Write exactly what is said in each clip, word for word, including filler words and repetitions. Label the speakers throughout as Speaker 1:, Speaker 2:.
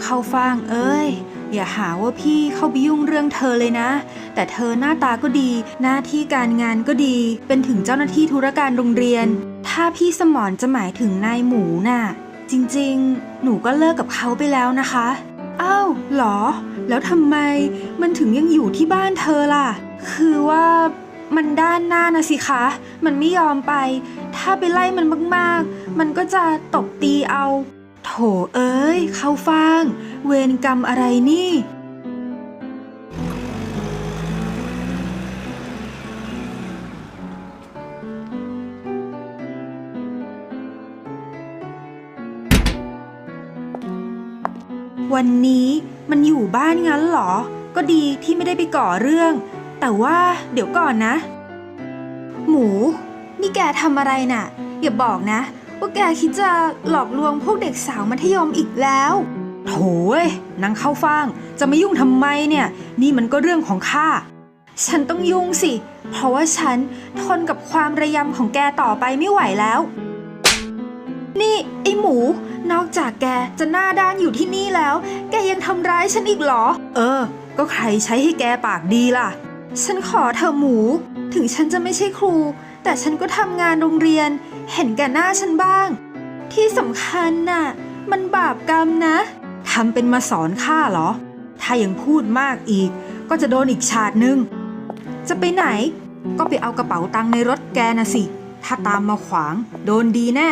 Speaker 1: เข้าฟ่างเอ้ยอย่าหาว่าพี่เข้าไปยุ่งเรื่องเธอเลยนะแต่เธอหน้าตาก็ดีหน้าที่การงานก็ดีเป็นถึงเจ้าหน้าที่ธุรการโรงเรียนถ้าพี่สมรจะหมายถึงนายหมูน่ะจริงๆหนูก็เลิกกับเขาไปแล้วนะคะอ้าวเหรอแล้วทำไมมันถึงยังอยู่ที่บ้านเธอล่ะคือว่ามันด้านหน้านะสิคะมันไม่ยอมไปถ้าไปไล่มันมากๆมันก็จะตบตีเอาโถเอ้ยเข้าฟ่างเวรกรรมอะไรนี่วันนี้มันอยู่บ้านงั้นเหรอก็ดีที่ไม่ได้ไปก่อเรื่องแต่ว่าเดี๋ยวก่อนนะหมูนี่แกทำอะไรน่ะอย่าบอกนะว่าแกคิดจะหลอกลวงพวกเด็กสาวมัธยมอีกแล้วโถ่เอ้ยนางเข้าฟ่างจะมายุ่งทำไมเนี่ยนี่มันก็เรื่องของข้าฉันต้องยุ่งสิเพราะว่าฉันทนกับความระยำของแกต่อไปไม่ไหวแล้วนี่ไอ้หมูนอกจากแกจะหน้าด้านอยู่ที่นี่แล้วแกยังทำร้ายฉันอีกเหรอเออก็ใครใช้ให้แกปากดีล่ะฉันขอเธอหมูถึงฉันจะไม่ใช่ครูแต่ฉันก็ทำงานโรงเรียนเห็นแก่หน้าฉันบ้างที่สำคัญน่ะมันบาปกรรมนะทำเป็นมาสอนข้าเหรอถ้ายังพูดมากอีกก็จะโดนอีกฉาดนึงจะไปไหนก็ไปเอากระเป๋าตังค์ในรถแกนะสิถ้าตามมาขวางโดนดีแน่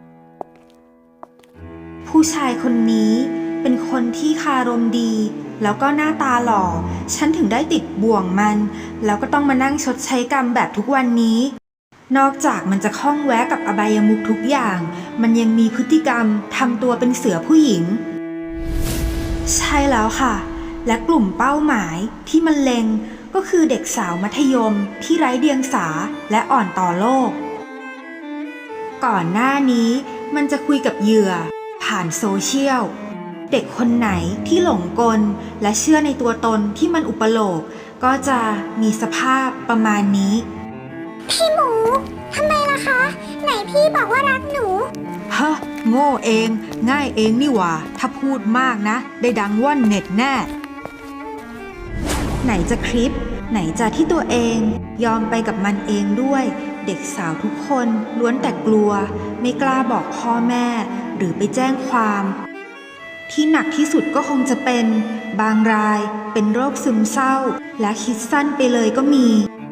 Speaker 1: ผู้ชายคนนี้เป็นคนที่คารมดีแล้วก็หน้าตาหล่อฉันถึงได้ติดบ่วงมันแล้วก็ต้องมานั่งชดใช้กรรมแบบทุกวันนี้นอกจากมันจะคล้องแวะกับอบายมุขทุกอย่างมันยังมีพฤติกรรมทำตัวเป็นเสือผู้หญิงใช่แล้วค่ะและกลุ่มเป้าหมายที่มันเล็งก็คือเด็กสาวมัธยมที่ไร้เดียงสาและอ่อนต่อโลกก่อนหน้านี้มันจะคุยกับเหยื่อผ่านโซเชียลเด็กคนไหนที่หลงกลและเชื่อในตัวตนที่มันอุปโลกก็จะมีสภาพประมาณนี้
Speaker 2: พี่หมูทำไมล่ะคะไหนพี่บอกว่ารักหนู
Speaker 1: ฮะโง่เองง่ายเองนี่หว่าถ้าพูดมากนะได้ดังว่อนเน็ตแน่ไหนจะคลิปไหนจะที่ตัวเองยอมไปกับมันเองด้วยเด็กสาวทุกคนล้วนแต่กลัวไม่กล้าบอกพ่อแม่หรือไปแจ้งความที่หนักที่สุดก็คงจะเป็นบางรายเป็นโรคซึมเศร้าและคิดสั้นไปเลยก็มี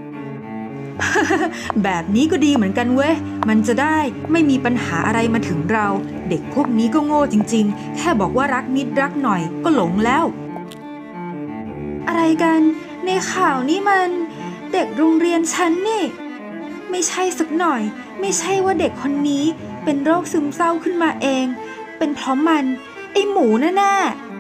Speaker 1: แบบนี้ก็ดีเหมือนกันเว้ยมันจะได้ไม่มีปัญหาอะไรมาถึงเราเด็กพวกนี้ก็โง่จริงๆแค่บอกว่ารักนิดรักหน่อยก็หลงแล้วอะไรกันในข่าวนี่มันเด็กโรงเรียนฉันนี่ไม่ใช่สักหน่อยไม่ใช่ว่าเด็กคนนี้เป็นโรคซึมเศร้าขึ้นมาเองเป็นเพราะมันไอหมูแน่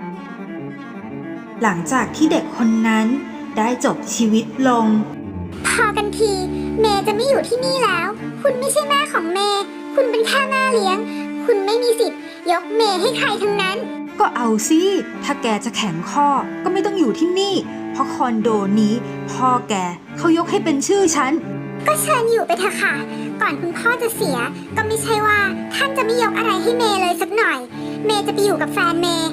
Speaker 1: ๆหลังจากที่เด็กคนนั้นได้จบชีวิตลง
Speaker 2: พอกันทีเมย์จะไม่อยู่ที่นี่แล้วคุณไม่ใช่แม่ของเมย์คุณเป็นแค่แม่เลี้ยงคุณไม่มีสิทธิ์ยกเมย์ให้ใครทั้งนั้น
Speaker 1: ก็เอาสิถ้าแกจะแข็งข้อก็ไม่ต้องอยู่ที่นี่เพราะคอนโดนี้พ่อแกเขายกให้เป็นชื่อฉัน
Speaker 2: ก็เชิญอยู่ไปเถอะค่ะก่อนคุณพ่อจะเสียก็ไม่ใช่ว่าท่านจะไม่ยกอะไรให้เมย์เลยสักหน่อยเมย์จะไปอยู่กับแฟนเมย์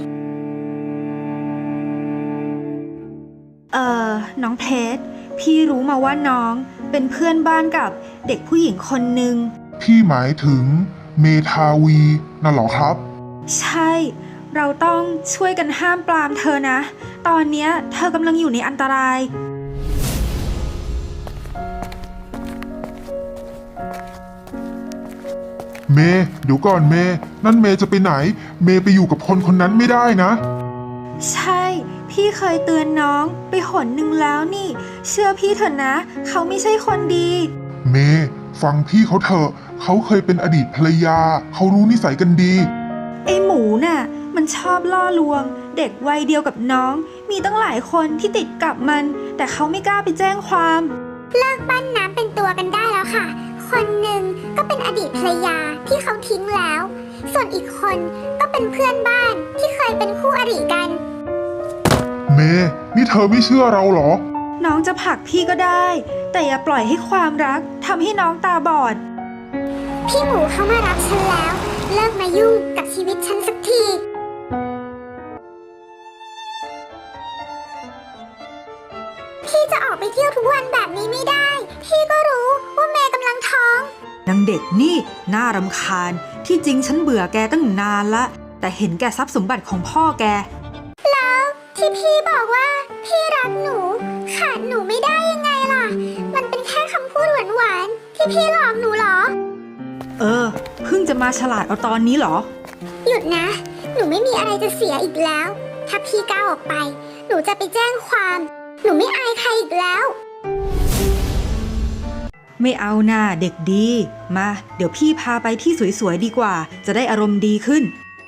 Speaker 1: เอ่อน้องเพชรพี่รู้มาว่าน้องเป็นเพื่อนบ้านกับเด็กผู้หญิงคนหนึ่ง
Speaker 3: พี่หมายถึงเมทาวีน่ะเหรอครับ
Speaker 1: ใช่เราต้องช่วยกันห้ามปรามเธอนะตอนนี้เธอกำลังอยู่ในอันตราย
Speaker 3: เมย์เดี๋ยวก่อนเมย์นั่นเมย์จะไปไหนเมย์ไปอยู่กับคนคนนั้นไม่ได้นะ
Speaker 1: ใช่พี่เคยเตือนน้องไปหนหนึ่งแล้วนี่เชื่อพี่เถอะนะเขาไม่ใช่คนดี
Speaker 3: เมย์ฟังพี่เขาเถอะเขาเคยเป็นอดีตภรรยาเขารู้นิสัยกันดี
Speaker 1: ไอหมูน่ะมันชอบล่อลวงเด็กวัยเดียวกับน้องมีตั้งหลายคนที่ติดกับมันแต่เขาไม่กล้าไปแจ้งความ
Speaker 2: เลิกปั้นน้ำเป็นตัวกันได้แล้วค่ะคนหนึ่งก็เป็นอดีตภรรยาที่เขาทิ้งแล้วส่วนอีกคนก็เป็นเพื่อนบ้านที่เคยเป็นคู่อริกัน
Speaker 3: เมย์นี่เธอไม่เชื่อเราเหรอ
Speaker 1: น้องจะผลักพี่ก็ได้แต่อย่าปล่อยให้ความรักทำให้น้องตาบอด
Speaker 2: พี่หมูเขามารักฉันแล้วเลิกมายุ่งกับชีวิตฉันสักทีอกไปเที่ยวทุกวันแบบนี้ไม่ได้ พี่ก็รู้ว่าเมย์กำลังท้อง
Speaker 1: นางเด็กนี่น่ารำคาญที่จริงฉันเบื่อแกตั้งนานละแต่เห็นแกทรัพย์สมบัติของพ่อแก
Speaker 2: แล้วที่พี่บอกว่าพี่รักหนูขาดหนูไม่ได้ยังไงล่ะ มันเป็นแค่คำพูดหวานๆที่พี่หลอกหนูเหรอ
Speaker 1: เออเพิ่งจะมาฉลาดเอาตอนนี้เหรอ
Speaker 2: หยุดนะ หนูไม่มีอะไรจะเสียอีกแล้ว ถ้าพี่ก้าวออกไป หนูจะไปแจ้งความ หนูไม่อายใครอีกแล้ว
Speaker 1: ไม่เอาหน้าเด็กดีมาเดี๋ยวพี่พาไปที่สวยๆดีกว่าจะได้อารมณ์ดีขึ้น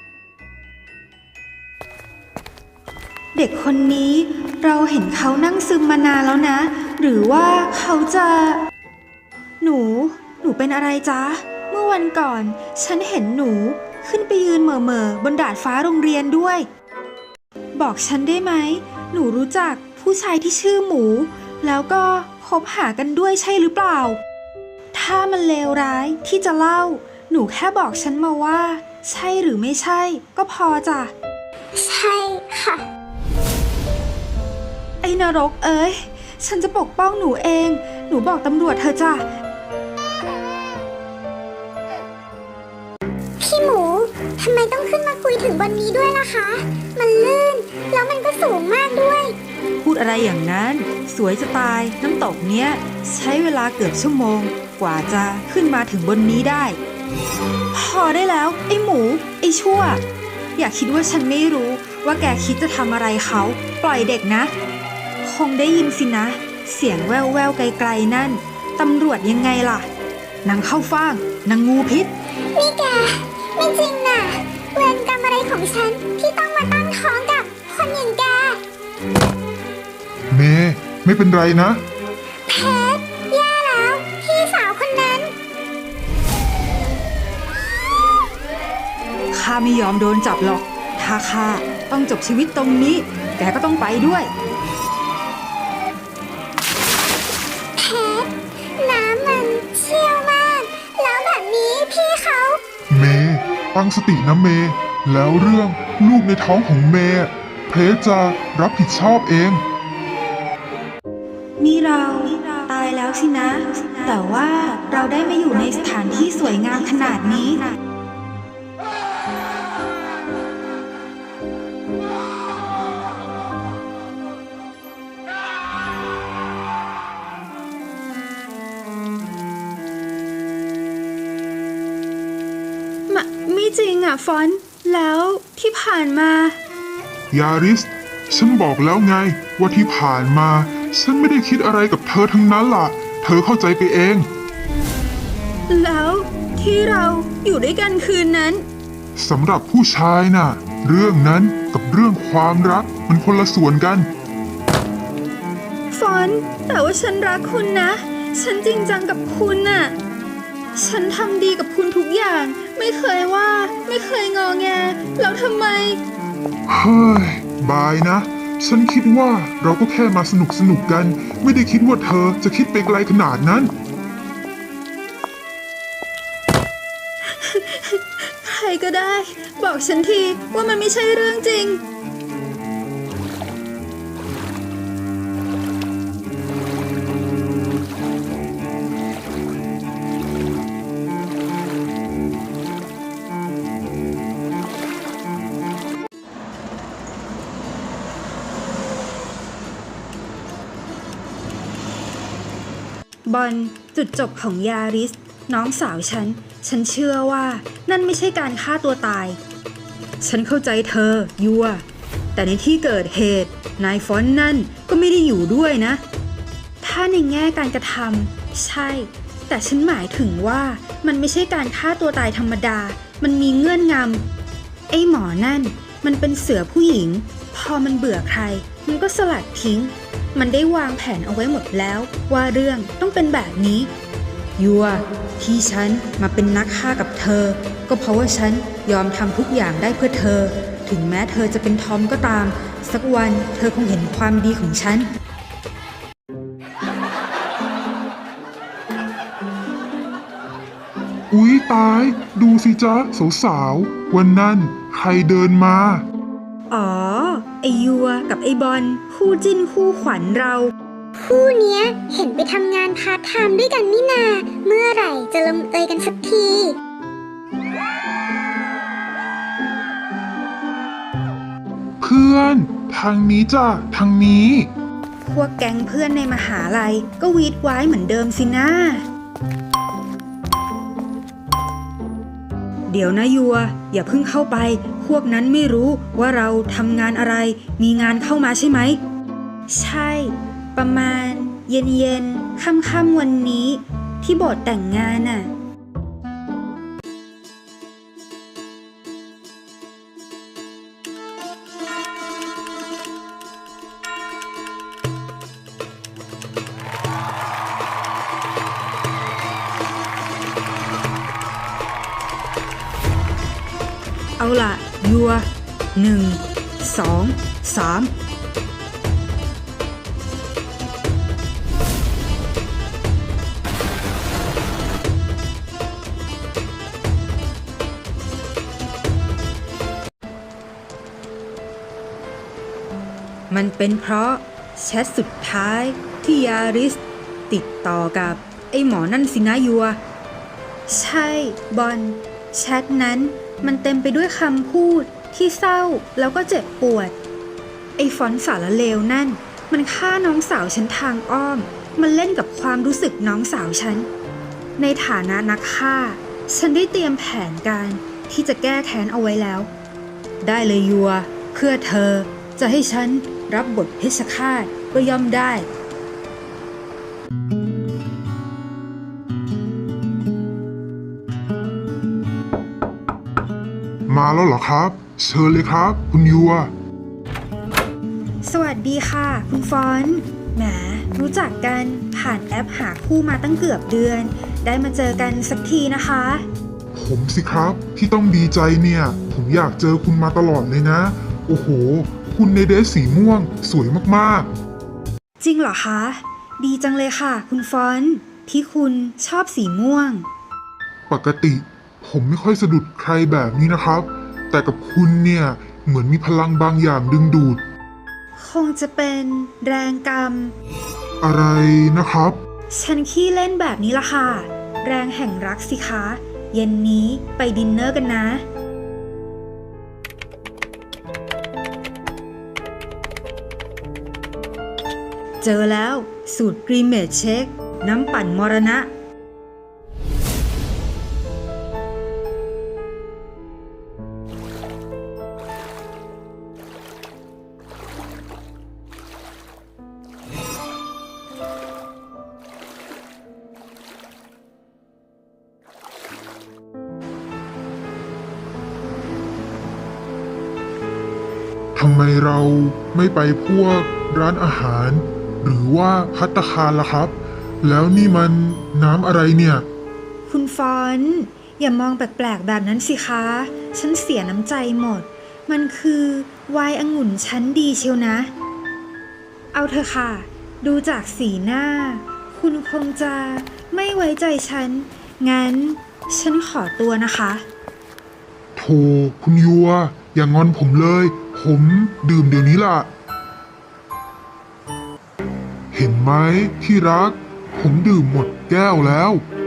Speaker 1: เด็กคนนี้เราเห็นเขานั่งซึมมานานแล้วนะ หรือว่าเขาจะ หนู หนูเป็นอะไรจ๊ะ เมื่อวันก่อน ฉันเห็นหนูขึ้นไปยืนเหม่อๆบนดาดฟ้าโรงเรียนด้วย บอกฉันได้ไหม หนูรู้จักผู้ชายที่ชื่อหมู แล้วก็คบหากันด้วยใช่หรือเปล่า ถ้ามันเลวร้ายที่จะเล่า หนูแค่บอกฉันมาว่า ใช่หรือไม่ใช่ ก็พอจ้ะ
Speaker 2: ใช่ค่ะ
Speaker 1: ไอ้นรกเอ้ย ฉันจะปกป้องหนูเอง หนูบอกตำรวจเธอจ้ะ
Speaker 2: พี่หมู ทำไมต้องขึ้นมาคุยถึงบนนี้ด้วยล่ะคะ มันลื่น แล้วมันก็สูงมากด้วย
Speaker 1: พูดอะไรอย่างนั้น สวยจะตาย น้ำตกเนี้ย ใช้เวลาเกือบชั่วโมง กว่าจะขึ้นมาถึงบนนี้ได้ พอได้แล้ว ไอ้หมู ไอ้ชั่ว อย่าคิดว่าฉันไม่รู้ว่าแกคิดจะทำอะไรเขา ปล่อยเด็กนะ คงได้ยินสินะ เสียงแว่วๆไกลๆนั่น ตำรวจยังไงล่ะนางเข้าฟ่างนางงูพิษ
Speaker 2: นี่แก ไม่จริงน่ะ เวรกรรมอะไรของฉันที่ต้องมาตั้งท้องกับคนอย่างแก
Speaker 3: เมย์ไม่เป็นไรนะ
Speaker 2: เพชรแย่แล้ว พี่สาวคนนั้น
Speaker 1: ข้าไม่ยอมโดนจับหรอก ถ้าข้าต้องจบชีวิตตรงนี้ แกก็ต้องไปด้วย
Speaker 2: เพชรน้ำมันเชี่ยวมาก แล้วแบบนี้พี่เขา
Speaker 3: เมย์ตั้งสตินะเมย์แล้วเรื่องลูกในท้องของเมย์เพชรจะรับผิดชอบเอง
Speaker 1: นี่เราตายแล้วสินะ แต่ว่าเราได้มาอยู่ในสถานที่สวยงามขนาดนี้ มะไม่จริงอ่ะฟอนต์แล้วที่ผ่านมา
Speaker 3: ยาริส ฉันบอกแล้วไงว่าที่ผ่านมา ฉันไม่ได้คิดอะไรกับเธอทั้งนั้นล่ะ เธอเข้าใจไปเอง
Speaker 1: แล้วที่เราอยู่ด้วยกันคืนนั้น
Speaker 3: สำหรับผู้ชายน่ะ เรื่องนั้นกับเรื่องความรักมันคนละส่วนกัน
Speaker 1: ฟอนต์แต่ว่าฉันรักคุณนะ ฉันจริงจังกับคุณน่ะ ฉันทำดีกับคุณทุกอย่าง ไม่เคยว่า ไม่เคยงอแง แล้วทำไม
Speaker 3: เฮ้ย บายนะ ฉันคิดว่าเราก็แค่มาสนุกสนุกกัน ไม่ได้คิดว่าเธอจะคิดไปไกลขนาดนั้น
Speaker 1: ใครก็ได้ บอกฉันทีว่ามันไม่ใช่เรื่องจริง บอลจุดจบของยาริส น้องสาวฉัน ฉันเชื่อว่านั่นไม่ใช่การฆ่าตัวตาย ฉันเข้าใจเธอยัวแต่ในที่เกิดเหตุนายฟอนต์นั่นก็ไม่ได้อยู่ด้วยนะ ถ้าในแง่การกระทำใช่ แต่ฉันหมายถึงว่ามันไม่ใช่การฆ่าตัวตายธรรมดา มันมีเงื่อนงำไอ้หมอนั่นมันเป็นเสือผู้หญิง พอมันเบื่อใคร มันก็สลัดทิ้ง มันได้วางแผนเอาไว้หมดแล้วว่าเรื่องต้องเป็นแบบนี้ยัวที่ฉันมาเป็นนักฆ่ากับเธอ ก็เพราะว่าฉันยอมทำทุกอย่างได้เพื่อเธอ ถึงแม้เธอจะเป็นทอมก็ตาม สักวันเธอคงเห็นความดีของฉัน
Speaker 3: อุ๊ยตาย ดูสิจ๊ะสาวๆวันนั้นใครเดินมา
Speaker 1: อ๋อ ไอยัวกับไอบอลคู่จิ้นคู่ขวัญเรา
Speaker 2: โหคู่เนี้ยเห็นไปทำงานพาร์ทไทม์ด้วยกันนี่นา เมื่อไหร่จะลงเอยกันสักที
Speaker 3: เพื่อน ทางนี้จ้ะทางนี้
Speaker 1: พวกแก๊งเพื่อนในมหาลัยก็วีดไว้เหมือนเดิมสินะ เดี๋ยวนะยัว อย่าเพิ่งเข้าไป พวกนั้นไม่รู้ว่าเราทำงานอะไร มีงานเข้ามาใช่ไหม ใช่ ประมาณเย็นเย็นค่ำค่ำๆวันนี้ ที่โบสถ์แต่งงานน่ะ เอาล่ะ ยัวหนึ่ง สอง สาม มันเป็นเพราะแชทสุดท้ายที่ยาริส ติดต่อกับไอ้หมอนั่นสินะยัว ใช่บอลแชทนั้นมันเต็มไปด้วยคำพูดที่เศร้าแล้วก็เจ็บปวด ไอ้ฟอนต์สารเลวนั่นมันฆ่าน้องสาวฉันทางอ้อม มันเล่นกับความรู้สึกน้องสาวฉัน ในฐานะนักฆ่า ฉันได้เตรียมแผนการที่จะแก้แค้นเอาไว้แล้ว ได้เลยยัว เพื่อเธอจะให้ฉันรับบทเพชฌฆาตก็ย่อมได้
Speaker 3: มาแล้วเหรอครับ เชิญเลยครับ คุณยัว
Speaker 1: สวัสดีค่ะ คุณฟอนต์แหมรู้จักกันผ่านแอปหาคู่มาตั้งเกือบเดือน ได้มาเจอกันสักทีนะคะ
Speaker 3: ผมสิครับที่ต้องดีใจเนี่ย ผมอยากเจอคุณมาตลอดเลยนะ โอ้โห คุณในเดรสสีม่วงสวยมากๆ
Speaker 1: จริงเหรอคะ ดีจังเลยค่ะ คุณฟอนต์ที่คุณชอบสีม่วง
Speaker 3: ปกติผมไม่ค่อยสะดุดใครแบบนี้นะครับ แต่กับคุณเนี่ยเหมือนมีพลังบางอย่างดึงดูด
Speaker 1: คงจะเป็นแรงกรรม
Speaker 3: อะไรนะครับ
Speaker 1: ฉันขี้เล่นแบบนี้ละค่ะ แรงแห่งรักสิคะ เย็นนี้ไปดินเนอร์กันนะ เจอแล้วสูตรกรีเมดเชค น้ำปั่นมรณะ
Speaker 3: ทำไมเราไม่ไปพวกร้านอาหาร หรือว่าภัตตาคารล่ะครับ แล้วนี่มันน้ำอะไรเนี่ย
Speaker 1: คุณฟอนต์อย่ามองแปลกๆแบบนั้นสิคะ ฉันเสียน้ำใจหมด มันคือไวน์องุ่นชั้นดีเชียวนะ เอาเถอะค่ะ ดูจากสีหน้า คุณคงจะไม่ไว้ใจฉัน งั้นฉันขอตัวนะคะ
Speaker 3: โธ่คุณยัว อย่างงอนผมเลย ผมดื่มเดี๋ยวนี้ล่ะ เห็นไหมที่รัก ผมดื่มหมดแก้วแล้ว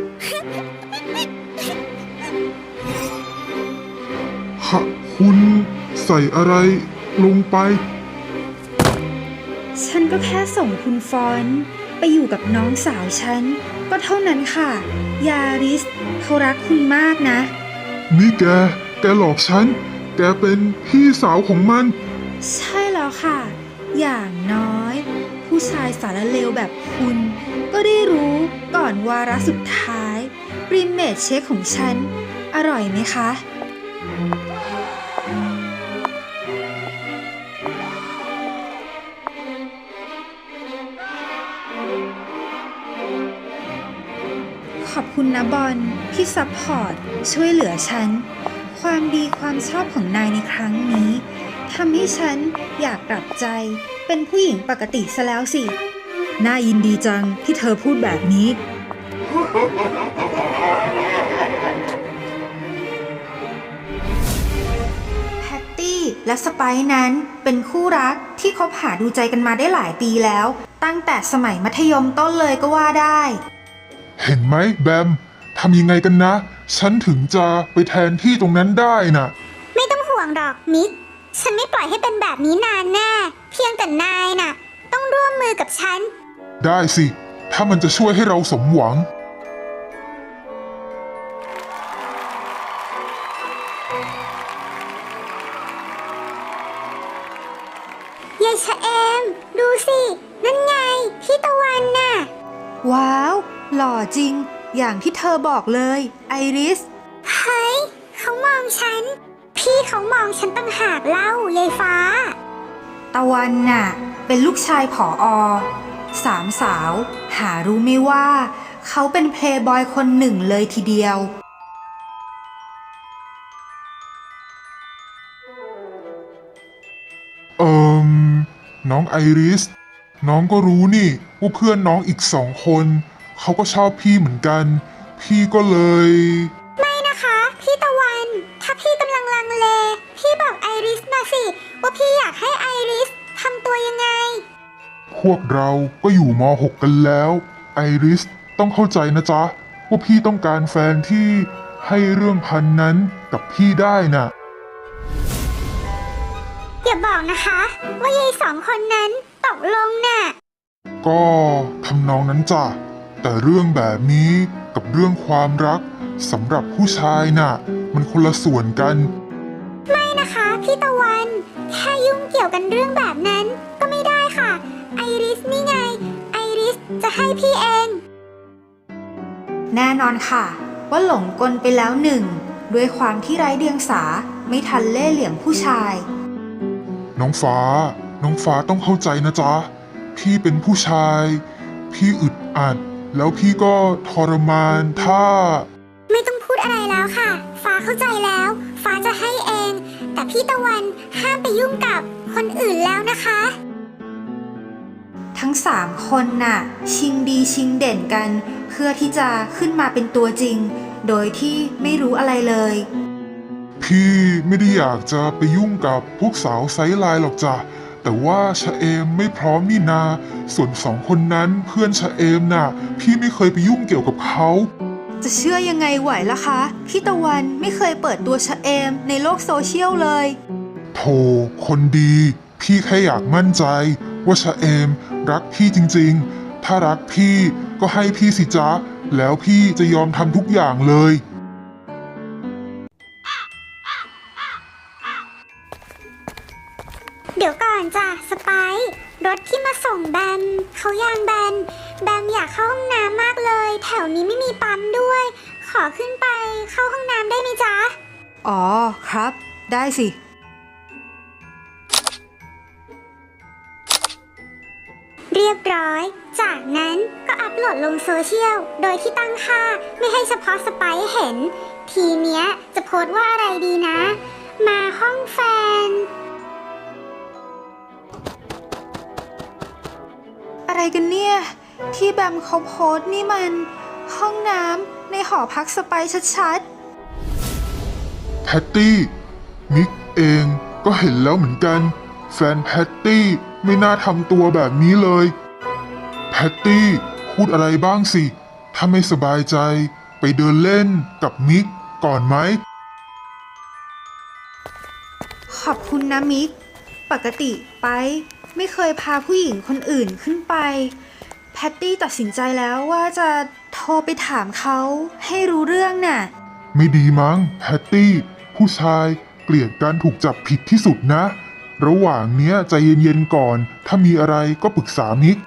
Speaker 3: ค่ะคุณใส่อะไรลงไป
Speaker 1: ฉันก็แค่ส่งคุณฟอนต์ไปอยู่กับน้องสาวฉัน ก็เท่านั้นค่ะ ยาริสเขารักคุณมากนะ
Speaker 3: นี่แก แกหลอกฉัน แกเป็นพี่สาวของมัน
Speaker 1: ใช่แล้วค่ะ อย่างน้อย ผู้ชายสารเลวแบบคุณ ก็ได้รู้ก่อนวาระสุดท้ายปริมเมดเชคของฉัน อร่อยไหมคะ ขอบคุณนะบอลที่ซัพพอร์ตช่วยเหลือฉัน ความดีความชอบของนายในครั้งนี้ทำให้ฉันอยากกลับใจเป็นผู้หญิงปกติซะแล้วสิ น่ายินดีจังที่เธอพูดแบบนี้ แพตตี้และสไปซ์นั้นเป็นคู่รักที่คบหาดูใจกันมาได้หลายปีแล้วตั้งแต่สมัยมัธยมต้นเลยก็ว่าได้
Speaker 3: เห็นไหมแบมทำยังไงกันนะ ฉันถึงจะไปแทนที่ตรงนั้นได้น่ะ
Speaker 2: ไม่ต้องห่วงหรอกมิก ฉันไม่ปล่อยให้เป็นแบบนี้นานแน่ เพียงแต่นายน่ะ ต้องร่วมมือกับฉัน
Speaker 3: ได้สิ ถ้ามันจะช่วยให้เราสมหวัง
Speaker 2: ยายชะเอม ดูสิ นั่นไง พี่ตะวันน่ะ
Speaker 1: ว้าว หล่อจริง อย่างที่เธอบอกเลยไอริส
Speaker 2: เฮ้ย เขามองฉัน พี่เขามองฉันตั้งหากเล่ายายฟ้า
Speaker 1: ตะวันน่ะ เป็นลูกชายผออสามสาว หารู้ไม่ว่า เขาเป็นเพลย์บอยคนหนึ่งเลยทีเดียว
Speaker 3: เอิมน้องไอริส น้องก็รู้นี่ว่าเพื่อนน้องอีกสองคน เขาก็ชอบพี่เหมือนกัน พี่ก็เลย
Speaker 2: ไม่นะคะ พี่ตะวัน ถ้าพี่กำลังลังเล พี่บอกไอริสมาสิ ว่าพี่อยากให้ไอริสทำตัวยังไง
Speaker 3: พวกเราก็อยู่ม .หก กันแล้ว ไอริสต้องเข้าใจนะจ๊ะ ว่าพี่ต้องการแฟนที่ให้เรื่องพันนั้นกับพี่ได้น่ะ
Speaker 2: อย่าบอกนะคะ ว่ายายสองคนนั้นตกลงน่ะ
Speaker 3: ก็ทำนองนั้นจ้ะ แต่เรื่องแบบนี้กับเรื่องความรักสำหรับผู้ชายน่ะ มันคนละส่วนกัน
Speaker 2: ไม่นะคะพี่ตะวัน แค่ยุ่งเกี่ยวกันเรื่องแบบนั้นก็ไม่ได้ค่ะ ไอริสนี่ไง ไอริสจะให้พี่เอง
Speaker 1: แน่นอนค่ะ ว่าหลงกลไปแล้วหนึ่ง ด้วยความที่ไร้เดียงสาไม่ทันเล่ห์เหลี่ยมผู้ชาย
Speaker 3: น้องฟ้า น้องฟ้าต้องเข้าใจนะจ๊ะ พี่เป็นผู้ชาย พี่อึดอัด แล้วพี่ก็ทรมานถ้า
Speaker 2: ไม่ต้องพูดอะไรแล้วค่ะ ฟ้าเข้าใจแล้ว ฟ้าจะให้เอง แต่พี่ตะวันห้ามไปยุ่งกับคนอื่นแล้วนะคะ
Speaker 1: ทั้งสามคนน่ะ ชิงดีชิงเด่นกัน เพื่อที่จะขึ้นมาเป็นตัวจริง โดยที่ไม่รู้อะไรเลย
Speaker 3: พี่ไม่ได้อยากจะไปยุ่งกับพวกสาวไซส์ไลน์หรอกจ้ะ แต่ว่าชะเอมไม่พร้อมนี่นา ส่วนสองคนนั้นเพื่อนชะเอมน่ะ พี่ไม่เคยไปยุ่งเกี่ยวกับเขา
Speaker 1: จะเชื่อยังไงไหวล่ะคะ พี่ตะวันไม่เคยเปิดตัวชะเอมในโลกโซเชียลเลย
Speaker 3: โธ่คนดี พี่แค่อยากมั่นใจ ว่าชะเอมรักพี่จริงๆ ถ้ารักพี่ก็ให้พี่สิจ๊ะ แล้วพี่จะยอมทำทุกอย่างเลย
Speaker 2: เดี๋ยวก่อนจ้ะสไปซ์รถที่มาส่งแบมเขายางแบน แบมอยากเข้าห้องน้ำมากเลย แถวนี้ไม่มีปั๊มด้วย ขอขึ้นไปเข้าห้องน้ำได้ไหมจ๊ะ
Speaker 1: อ๋อครับ ได้สิ
Speaker 2: เรียบร้อย จากนั้นก็อัพโหลดลงโซเชียล โดยที่ตั้งค่าไม่ให้เฉพาะสไปซ์เห็น ทีเนี้ยจะโพสต์ว่าอะไรดีนะ มาห้องแฟน
Speaker 1: อะไรกันเนี่ย ที่แบมเขาโพสต์นี่มัน ห้องน้ำในหอพักสไปซ์ชัด
Speaker 3: แพตตี้มิกเองก็เห็นแล้วเหมือนกัน แฟนแพตตี้ไม่น่าทำตัวแบบนี้เลยแพตตี้พูดอะไรบ้างสิ ถ้าไม่สบายใจไปเดินเล่นกับมิกก่อนไหม
Speaker 1: ๆ ขอบคุณนะมิก ปกติไปไม่เคยพาผู้หญิงคนอื่นขึ้นไป แพตตี้ตัดสินใจแล้วว่าจะโทรไปถามเขาให้รู้เรื่องน่ะ
Speaker 3: ไม่ดีมั้งแพตตี้ผู้ชายเกลียดการถูกจับผิดที่สุดนะ ระหว่างเนี้ยใจเย็นๆก่อน ถ้ามีอะไรก็ปรึกษามิก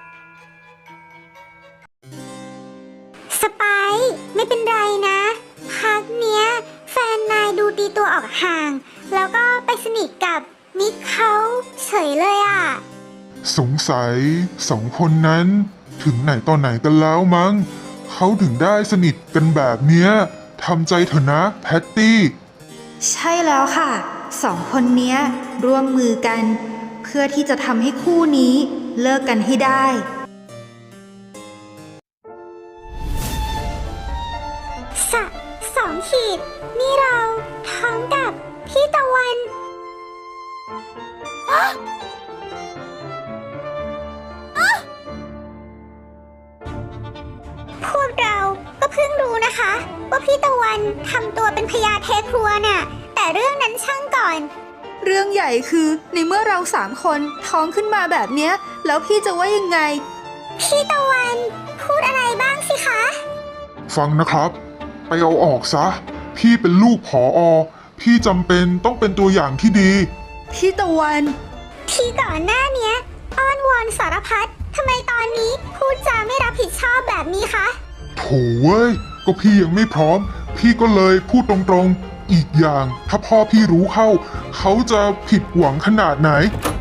Speaker 2: สไปซ์ไม่เป็นไรนะ พักเนี้ย แฟนนายดูตีตัวออกห่าง แล้วก็ไปสนิทกับมิกเขาเฉยเลยอ่ะ
Speaker 3: สงสัยสองคนนั้นถึงไหนตอนไหนกันแล้วมั้ง เขาถึงได้สนิทกันแบบเนี้ยทำใจเถอะนะแพตตี้
Speaker 1: ใช่แล้วค่ะ สองคนเนี้ยร่วมมือกัน เพื่อที่จะทำให้คู่นี้เลิกกันให้ได้
Speaker 2: สะสองขีด นี่เราท้องกับพี่ตะวันอ๊ะอ๊ะว่าพี่ตะวันทำตัวเป็นพญาเทครัวน่ะ แต่เรื่องนั้นช่างก่อน
Speaker 1: เรื่องใหญ่คือในเมื่อเราสามคนท้องขึ้นมาแบบเนี้ยแล้วพี่จะว่ายังไง
Speaker 2: พี่ตะวันพูดอะไรบ้างสิคะ
Speaker 3: ฟังนะครับ ไปเอาออกซะ พี่เป็นลูกผออ พี่จำเป็นต้องเป็นตัวอย่างที่ดี
Speaker 1: พี่ตะวัน
Speaker 2: ที่ก่อนหน้าเนี้ยอ้อนวอนสารพัดทำไมตอนนี้พูดจาไม่รับผิดชอบแบบนี้คะ
Speaker 3: โถเว้ย ก็พี่ยังไม่พร้อม พี่ก็เลยพูดตรงๆ อีกอย่างถ้าพ่อพี่รู้เข้า เขาจะผิดหวังขนาดไหน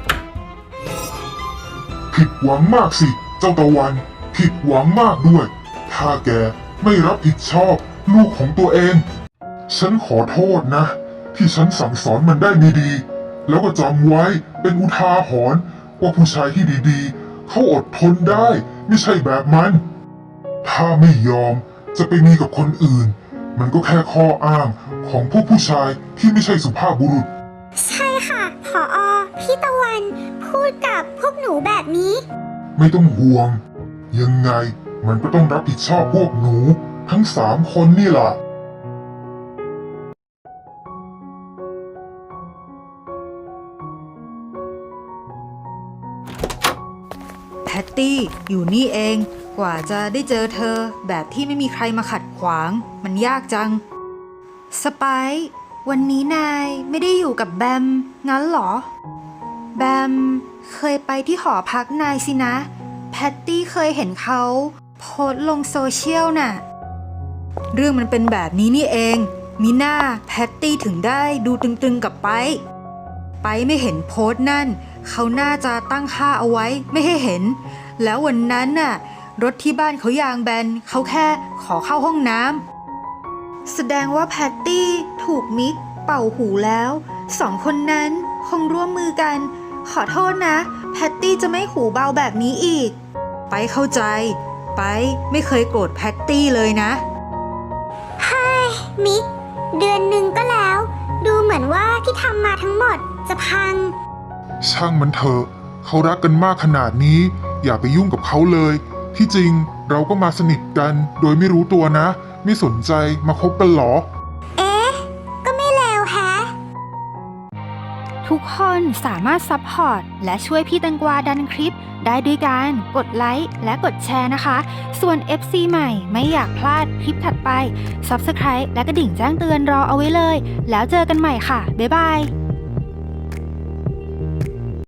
Speaker 3: ผิดหวังมากสิ เจ้าตะวัน ผิดหวังมากด้วย ถ้าแกไม่รับผิดชอบลูกของตัวเอง ฉันขอโทษนะ ที่ฉันสั่งสอนมันได้ไม่ดี แล้วก็จำไว้เป็นอุทาหรณ์ว่าผู้ชายที่ดีๆ เขาอดทนได้ ไม่ใช่แบบมัน ถ้าไม่ยอมจะไปมีกับคนอื่น มันก็แค่ข้ออ้างของพวกผู้ชายที่ไม่ใช่สุภาพบุรุษ
Speaker 2: ใช่ค่ะผออพี่ตะวันพูดกับพวกหนูแบบนี้
Speaker 3: ไม่ต้องห่วง ยังไงมันก็ต้องรับผิดชอบพวกหนู ทั้งสามคนนี่ล่ะ
Speaker 1: แพตตี้อยู่นี่เองกว่าจะได้เจอเธอแบบที่ไม่มีใครมาขัดขวางมันยากจัง สไปซ์วันนี้นายไม่ได้อยู่กับแบมงั้นเหรอ แบมเคยไปที่หอพักนายสินะ แพตตี้เคยเห็นเขาโพสต์ลงโซเชียลน่ะ เรื่องมันเป็นแบบนี้นี่เองมิน่าแพตตี้ถึงได้ดูตึงๆกับไปไปไม่เห็นโพสต์นั่นเขาน่าจะตั้งค่าเอาไว้ไม่ให้เห็น แล้ววันนั้นน่ะรถที่บ้านเขายางแบนเขาแค่ขอเข้าห้องน้ำแสดงว่าแพตตี้ถูกมิกเป่าหูแล้วสองคนนั้นคงร่วมมือกัน ขอโทษนะแพตตี้จะไม่หูเบาแบบนี้อีกไปเข้าใจไปไม่เคยโกรธแพตตี้เลยนะ
Speaker 2: มิกเดือนหนึ่งก็แล้ว ดูเหมือนว่าที่ทำมาทั้งหมดจะพัง
Speaker 3: ช่างมันเถอะ เขารักกันมากขนาดนี้ อย่าไปยุ่งกับเขาเลย ที่จริงเราก็มาสนิทกันโดยไม่รู้ตัวนะ ไม่สนใจมาคบกันหรอ
Speaker 2: เอ๊ะ ก็ไม่เลวแฮะ
Speaker 4: ทุกคนสามารถซัพพอร์ตและช่วยพี่แตงกวาดันคลิปได้ด้วยการกดไลค์และกดแชร์นะคะ ส่วน เอฟ ซี ใหม่ไม่อยากพลาดคลิปถัดไป ซับสไครบ์ และกระดิ่งแจ้งเตือนรอเอาไว้เลย แล้วเจอกันใหม่ค่ะ บ๊ายบาย